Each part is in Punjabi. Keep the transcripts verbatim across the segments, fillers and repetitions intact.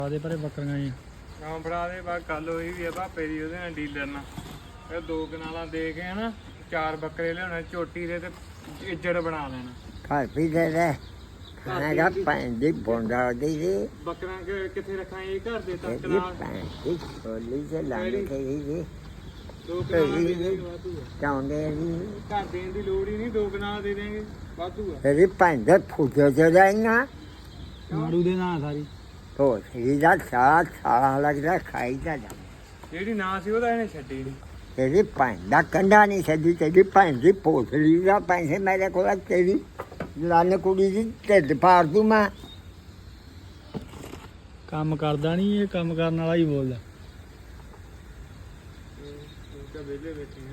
ਆਦੇ ਪਰੇ ਬੱਕਰੀਆਂ ਜੀ ਹਾਂ ਫੜਾ ਦੇ ਬਾ ਗੱਲ ਹੋਈ ਵੀ ਆ ਭਾਪੇ ਦੀ ਉਹਦੇ ਨਾਲ ਡੀਲਰ ਨਾਲ ਇਹ ਦੋ ਕਨਾਲਾਂ ਦੇ ਕੇ ਨਾ ਚਾਰ ਬੱਕਰੇ ਲਿਆਉਣੇ ਝੋਟੀ ਦੇ ਤੇ ਇੱਜੜ ਬਣਾ ਲੈਣਾ ਘਰ ਵੀ ਦੇ ਦੇ ਖਾਣਾ ਦਾ ਪੈਣ ਦੀ ਬੋਂਡਾ ਦੀ ਜੀ ਬੱਕਰਾਂ ਕਿ- ਕਿੱਥੇ ਰੱਖਾਂ ਇਹ ਘਰ ਦੇ ਤੱਕ ਇਹਦੀ ਨਾਲ ਪੈਣ ਦੀ ਛੋਲੀ ਤੇ ਲੰਘ ਗਈ ਜੀ ਦੋ ਕਨਾਲਾਂ ਦੇ ਦੇਂਗੇ ਵਾਧੂ ਆ ਚਾਉਂਦੇ ਜੀ ਘਰ ਦੇਣ ਦੀ ਲੋੜ ਹੀ ਨਹੀਂ ਦੋ ਕਨਾਲਾਂ ਦੇ ਦੇਂਗੇ ਵਾਧੂ ਆ ਇਹਦੀ ਪੈਣ ਦੇ ਫੁੱਟੇ ਤੇ ਜਾਈਆਂ ਮਾਰੂ ਦੇ ਨਾਂ ਸਾਰੀ ਤੋ ਸਹੀ ਦਾ ਸਾਰਾ ਸਾਰਾ ਲੱਗਦਾ ਖਾਈ ਦਾ ਜਾ ਜਿਹੜੀ ਨਾ ਸੀ ਉਹਦਾ ਇਹਨੇ ਛੱਡੀ ਨਹੀਂ ਤੇਰੀ ਭੈਣ ਦਾ ਕੰਡਾ ਨਹੀਂ ਛੱਡੀ ਤੇਰੀ ਭੈਣ ਦੀ ਪੋਥਲੀ ਦਾ ਪੈਸੇ ਮੇਰੇ ਕੋਲ ਆ, ਤੇਰੀ ਲੰਨ ਕੁੜੀ ਦੀ ਢਿੱਡ ਪਾੜ ਦੂੰ ਮੈਂ ਕੰਮ ਕਰਦਾ ਨਹੀਂ ਇਹ ਕੰਮ ਕਰਨ ਵਾਲਾ ਹੀ ਬੋਲਦਾ ਤਾਂ ਵਿਹਲੇ ਬੈਠੇ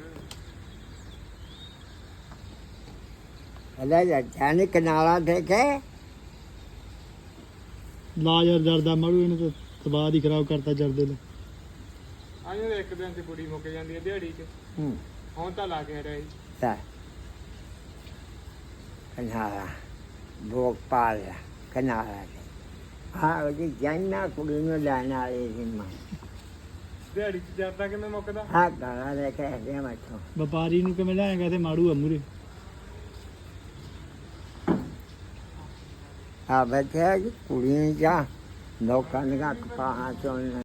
ਆ ਹਲਾ ਜਾ ਜਾਨੇ ਕਨਾਲਾ ਦੇਖੇ ਲਾ ਯਾਰ ਜਰਦਾ ਮਾਰੂ ਇਹਨੇ ਤਾਂ ਤਬਾਹ ਹੀ ਖਰਾਬ ਕਰਤਾ ਜਰਦੇ ਨੂੰ ਆਇਓ ਇੱਕ ਦਿਨ ਤੇ ਕੁੜੀ ਮੁੱਕ ਜਾਂਦੀ ਹੈ ਦਿਹਾੜੀ 'ਚ ਹੂੰ ਹੁਣ ਤਾਂ ਲਾ ਕੇ ਰਹੀ ਤਾਂ ਕਨਾਲਾ ਭੋਪਾਲ ਕਨਾਲਾ ਹਾਂ ਉਹਦੀ ਜਾਨਾ ਕੁੜੀ ਨੂੰ ਲੈਣ ਵਾਲੇ ਸੀ ਮੈਂ ਦਿਹਾੜੀ 'ਚ ਜਾਂਦਾ ਕਿਵੇਂ ਮੁੱਕਦਾ ਹਾਂ ਗਾਲਾ ਲੈ ਕੇ ਦੇ ਮੈਥੋਂ ਵਪਾਰੀ ਨੂੰ ਕਿਵੇਂ ਲਿਆਏਗਾ ਤੇ ਮਾਰੂ ਆ ਮੂਰੇ ਆ ਬੱਚਾ ਕੁੜੀ ਨੂੰ ਜਾ ਲੋਕਾਂ ਦੀਆਂ ਕਪਾਹਾਂ ਚੋਂ